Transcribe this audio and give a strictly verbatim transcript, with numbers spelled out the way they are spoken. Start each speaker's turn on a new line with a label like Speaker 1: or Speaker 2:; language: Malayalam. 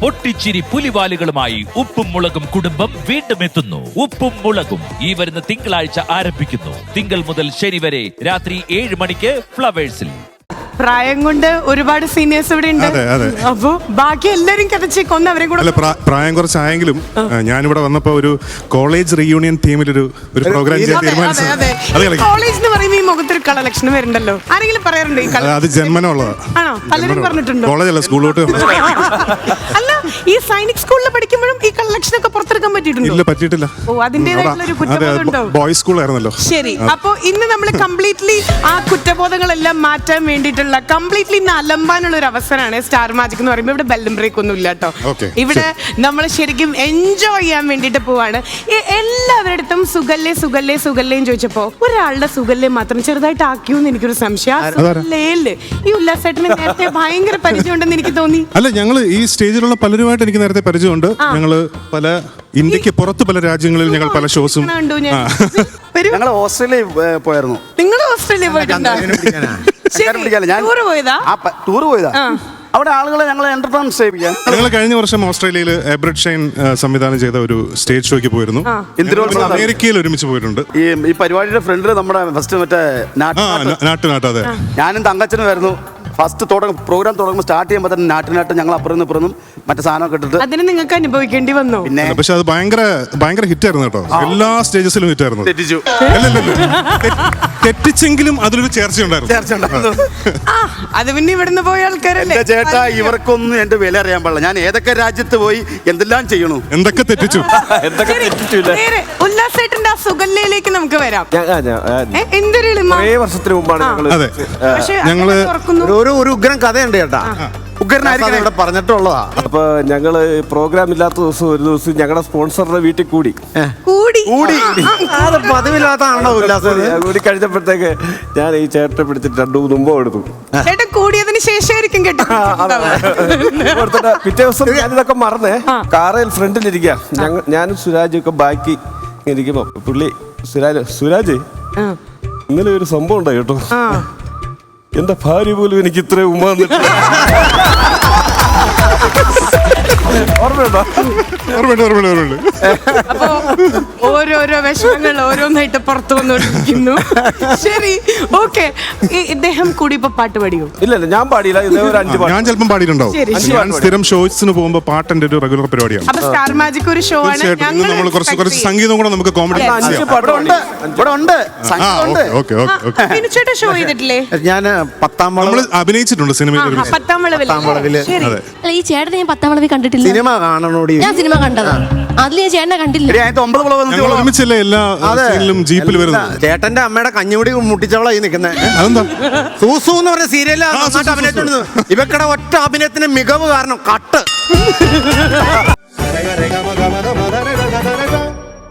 Speaker 1: പൊട്ടിച്ചിരി പുലിവാലുകളുമായി ഉപ്പും മുളകും കുടുംബം വീണ്ടും എത്തുന്നു. ഉപ്പും മുളകും ഈ വരുന്ന തിങ്കളാഴ്ച ആരംഭിക്കുന്നു. തിങ്കൾ മുതൽ ശനി വരെ രാത്രി ഏഴ് മണിക്ക് ഫ്ലവേഴ്സിൽ.
Speaker 2: പ്രായം കൊണ്ട് ഒരുപാട് സീനിയേഴ്സ് ഇവിടെ ഉണ്ട്. അപ്പൊ ബാക്കി എല്ലാരും കഥച്ചേക്കൊന്ന് അവരെ കൂടെ.
Speaker 3: പ്രായം കുറച്ചായെങ്കിലും ഞാനിവിടെ വന്നപ്പോ ഒരു കോളേജ് റീയൂണിയൻ തീമിലൊരു ഒരു പ്രോഗ്രാം ചെയ്യാൻ തീരുമാനിച്ചു.
Speaker 2: കോളേജ് എന്ന് പറയുമ്പോൾ ഈ മുഖത്തൊരു കളർ ലക്ഷണം വരുന്നുണ്ടല്ലോ. ആരെങ്കിലും പറയാറുണ്ടോ ഈ കളർ?
Speaker 3: അത് ജന്മനുള്ളതാ.
Speaker 2: ആണോ? പലരും പറഞ്ഞിട്ടുണ്ടോ?
Speaker 3: കോളേജല്ല, സ്കൂളിലോട്ട്.
Speaker 2: അല്ല, ഈ സൈനിക് സ്കൂളിൽ പഠിക്കുമ്പോഴും ഈ കളർ ലക്ഷണം ഒക്കെ പുറത്തെടുക്കാൻ പറ്റിയിട്ടുണ്ടോ?
Speaker 3: ഇല്ല, പറ്റിയിട്ടില്ല.
Speaker 2: ഓ, അതിന്റേതായിട്ടുള്ള ഒരു കുറ്റബോധം ഉണ്ടോ?
Speaker 3: ബോയ്സ് സ്കൂൾ ആയിരുന്നല്ലോ.
Speaker 2: ശരി, അപ്പൊ ഇന്ന് നമ്മൾ കംപ്ലീറ്റ്ലി ആ കുറ്റബോധങ്ങളെല്ലാം മാറ്റാൻ വേണ്ടിയിട്ടുള്ള കംപ്ലീറ്റ്ലി ഇന്ന് അലമ്പാനുള്ള ഒരു അവസരമാണ് സ്റ്റാർ മാജിക് എന്ന് പറയുമ്പോൾ. ഇവിടെ ബെല്ലും ബ്രേക്ക് ഒന്നും ഇല്ല കേട്ടോ. ഇവിടെ നമ്മൾ ശരിക്കും എൻജോയ് ചെയ്യാൻ വേണ്ടിട്ട് പോവാണ്. എല്ലാവരുടെ അടുത്തും സുഗല്ലേ സുഗല്ലേ സുഗല്ലേന്ന് ചോദിച്ചപ്പോ ഒരാളുടെ സുഗല്ലേ മാത്രം ചെറുതായിട്ട് ആക്കിയോന്ന് എനിക്കൊരു സംശയം. ഈ ഉല്ലാസേട്ടന് നേരത്തെ ഭയങ്കര പരിചയമുണ്ടെന്ന് എനിക്ക് തോന്നി.
Speaker 3: അല്ല, ഞങ്ങള് ഈ സ്റ്റേജിലുള്ള പലരുമായിട്ട് എനിക്ക് നേരത്തെ പരിചയമുണ്ട്. ഞങ്ങള് പല ഇന്ത്യക്ക് പുറത്ത് പല രാജ്യങ്ങളിൽ ഞങ്ങൾ പല ഷോസും.
Speaker 4: ഞങ്ങൾ ഓസ്ട്രേലിയ പോയായിരുന്നു.
Speaker 2: നിങ്ങൾ ഓസ്ട്രേലിയ പോയിട്ടുണ്ടോ?
Speaker 4: ടൂർ പോയതാ. അവിടെ ആളുകളെ ഞങ്ങൾ എന്റർടൈൻ ചെയ്യിപ്പിക്കാൻ.
Speaker 3: ഞങ്ങൾ കഴിഞ്ഞ വർഷം ഓസ്ട്രേലിയയിൽ എബ്രഡ് ഷൈൻ സംവിധാനം ചെയ്ത ഒരു സ്റ്റേജ് ഷോയ്ക്ക് പോയിരുന്നു. അമേരിക്കയിൽ ഒരുമിച്ച് പോയിട്ടുണ്ട്.
Speaker 4: ഈ ഈ പരിപാടിയുടെ ഫ്രണ്ടില് നമ്മുടെ ഫസ്റ്റ് മറ്റേ
Speaker 3: നാട്ടു നാട്ട് അതെ,
Speaker 4: ഞാനും തങ്കച്ചനും വരുന്നു. ഫസ്റ്റ് തുടങ്ങും പ്രോഗ്രാം തുടങ്ങുമ്പോൾ സ്റ്റാർട്ട് ചെയ്യുമ്പോൾ തന്നെ നാട്ടിനാട്ട് ഞങ്ങൾ അപ്പുറം ഇപ്പുറം മറ്റേ സാധനമൊക്കെ ഇട്ടിട്ട്
Speaker 2: അതിന് നിങ്ങൾക്ക് അനുഭവിക്കേണ്ടി വന്നു.
Speaker 4: പിന്നെ
Speaker 3: പക്ഷെ അത് ഭയങ്കര ഭയങ്കര ഹിറ്റ് ആയിരുന്നു കേട്ടോ. എല്ലാ സ്റ്റേജസിലും ഹിറ്റ് ആയിരുന്നു.
Speaker 4: തെറ്റിച്ചു
Speaker 3: തെറ്റിച്ചെങ്കിലും അതിലൊരു ചേർച്ചയുണ്ടായിരുന്നു.
Speaker 2: അത് പിന്നെ ഇവിടുന്ന് പോയ ആൾക്കാരല്ലേ.
Speaker 4: ചേട്ടാ, ഇവർക്കൊന്നും എന്റെ വില അറിയാൻ പാടില്ല. ഞാൻ ഏതൊക്കെ രാജ്യത്ത് പോയി എന്തെല്ലാം ചെയ്യണു,
Speaker 3: എന്തൊക്കെ തെറ്റിച്ചു.
Speaker 2: ഉല്ലാസേട്ടന്റെ ആ സുഗല്ലയിലേക്ക് നമുക്ക് വരാം. എന്തൊരു
Speaker 4: വർഷത്തിന് മുമ്പാണ്
Speaker 3: ഞങ്ങള്
Speaker 4: ഒരു ഒരു ഉഗ്രം കഥയുണ്ട് ചേട്ടാ. ഉഗ്രനായിരിക്കും ഇവിടെ പറഞ്ഞിട്ടുള്ളതാ.
Speaker 5: അപ്പൊ ഞങ്ങള് പ്രോഗ്രാം ഇല്ലാത്ത ദിവസം ഒരു ദിവസം ഞങ്ങളുടെ സ്പോൺസറുടെ വീട്ടിൽ കൂടി
Speaker 2: കൂടി
Speaker 4: കൂടി അത് പതിവില്ലാത്തതാണോ ഉല്ലാസം?
Speaker 5: കൂടി കഴിഞ്ഞപ്പോഴത്തേക്ക് ഞാൻ ഈ ചേട്ടനെ പിടിച്ചിട്ട് രണ്ടു മൂന്ന് മുമ്പ് എടുത്തു.
Speaker 2: ചേട്ടൻ കൂടിയതിന് ശേഷമായിരിക്കും കേട്ടോ.
Speaker 5: പിറ്റേ ദിവസം ഞാനിതൊക്കെ മറന്നേ കാറിൽ ഫ്രണ്ടിലിരിക്കുക. ഞങ്ങൾ ഞാനും സുരാജും ഒക്കെ ബാക്കി ഇരിക്കുമ്പോ പുള്ളി സുരാജ് സുരാജ് ഇന്നലെ ഒരു സംഭവം ഉണ്ടായി കേട്ടോ. എന്റെ ഭാര്യ പോലും എനിക്ക് ഇത്ര ഉമ്മ
Speaker 2: അപ്പൊ ഓരോരോ വിഷമങ്ങൾ ഓരോന്നായിട്ട് പുറത്തു വന്നുകൊണ്ടിരിക്കുന്നു. ശരി, ഓക്കെ. ഇദ്ദേഹം കൂടി ഇപ്പൊ പാട്ട് പാടിയോ?
Speaker 5: ഇല്ല ഇല്ല, ഞാൻ പാടിയില്ല.
Speaker 3: ഞാൻ ചിലപ്പം പാടിയിട്ടുണ്ടാവും. ഞാൻ സ്ഥിരം ഷോസിന് പോകുമ്പോ പാട്ടിന്റെ ഒരു റെഗുലർ പരിപാടിയാണ്.
Speaker 2: അപ്പൊ സ്റ്റാർ മാജിക് ഒരു ഷോ ആണ്.
Speaker 3: നമ്മൾ കുറച്ച് കുറച്ച് സംഗീതം കൂടെ നമുക്ക് കോമഡി
Speaker 2: ഷോ ചെയ്തിട്ടില്ലേ?
Speaker 4: ഞാൻ പത്താം വളവ്
Speaker 3: അഭിനയിച്ചിട്ടുണ്ട് സിനിമയിൽ.
Speaker 2: പത്താം വളവില്
Speaker 6: ഈ ചേട്ടനെ ഞാൻ പത്താം വളവിൽ കണ്ടിട്ടില്ല.
Speaker 4: സിനിമ കാണണോടി.
Speaker 6: ഞാൻ സിനിമ കണ്ടതാ. അതിൽ ഞാൻ ചേട്ടനെ കണ്ടില്ല.
Speaker 3: ഒരുമിച്ചല്ലേ എല്ലാ സീനിലും ജീപ്പിൽ വരുന്നത്.
Speaker 4: ചേട്ടന്റെ അമ്മയുടെ കഞ്ഞുകൂടി മുട്ടിച്ചവളായി നിൽക്കുന്നത്.
Speaker 3: അതെന്താ?
Speaker 4: സൂസു എന്ന് പറഞ്ഞ സീരിയലിൽ അഭിനയിച്ചിട്ടുണ്ട്. ഇവക്കടെ ഒറ്റ അഭിനയത്തിന്റെ മികവ് കാരണം കട്ട്